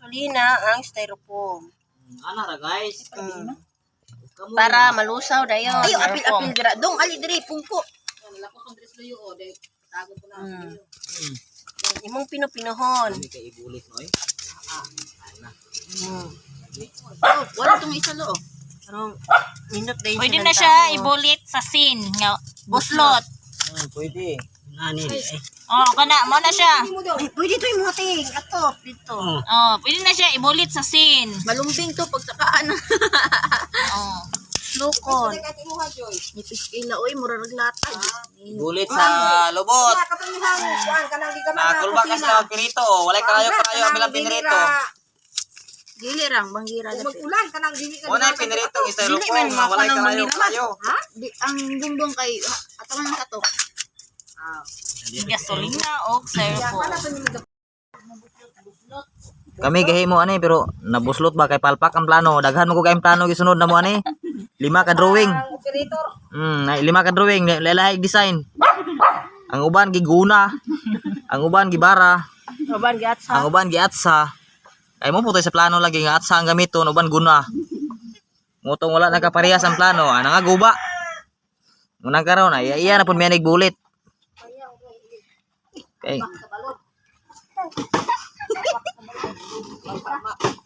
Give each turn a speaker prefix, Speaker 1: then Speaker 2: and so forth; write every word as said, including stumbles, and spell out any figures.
Speaker 1: kartolina ang styrofoam.
Speaker 2: Ana ra guys.
Speaker 1: Mm. Para malusaw dayon.
Speaker 3: Ayo apil-apil dira. Dong ali diri pungko.
Speaker 2: Nalako kong dress luyo o de tago ko na
Speaker 1: Mm.
Speaker 2: luyo. Mm.
Speaker 1: Imong pinupinuhon.
Speaker 2: Kami kay ibulit no eh. Ana.
Speaker 1: Mm.
Speaker 3: Oh, wala tong isa lo.
Speaker 1: Pero minot dayon
Speaker 4: Pwede
Speaker 1: siya
Speaker 4: na
Speaker 1: ng
Speaker 4: siya
Speaker 1: tao.
Speaker 4: ibulit sa sin nga buslot.
Speaker 2: Hmm, pwede. Nani eh.
Speaker 4: Oh, kana mo na siya.
Speaker 1: Ay, pwede to yung muting. Ato, dito.
Speaker 2: Oh.
Speaker 4: Oh, pwede na siya ibulit sa sin.
Speaker 3: Malumbing to pagsakaan.
Speaker 4: Oh.
Speaker 1: Lukon.
Speaker 3: Nipis kila oy mura naglata.
Speaker 2: Ibulit sa lubot. Nakulba kasi na pirito. Walay kayo kayo amilang pinirito.
Speaker 3: Dili rang banggira dapit.
Speaker 1: Ulan ka nang dili ka.
Speaker 2: Una pinirito
Speaker 3: Dili
Speaker 2: styrofoam.
Speaker 3: man
Speaker 2: Walay
Speaker 3: mako nang
Speaker 2: kayo
Speaker 3: mangira
Speaker 2: kayo.
Speaker 3: Ha? Di ang bumbong kay ato man kato.
Speaker 4: Gasolina o styrofoam.
Speaker 2: Kami gahimo ani pero nabuslot ba kay palpak ang plano. Daghan mo ko kay plano gisunod na mo ani. Lima ka drawing. Hmm, ay, lima ka drawing, lalahi design. Ang uban giguna. Ang uban gibara.
Speaker 1: Uban giat sa.
Speaker 2: Ang uban giatsa. Ay mo putoy sa plano lagi nga atsa ang gamiton uban guna. Ngutong wala nakaparehas ang plano, ana nga guba. Munang karon ay iya na pud may nagbulit. Okay.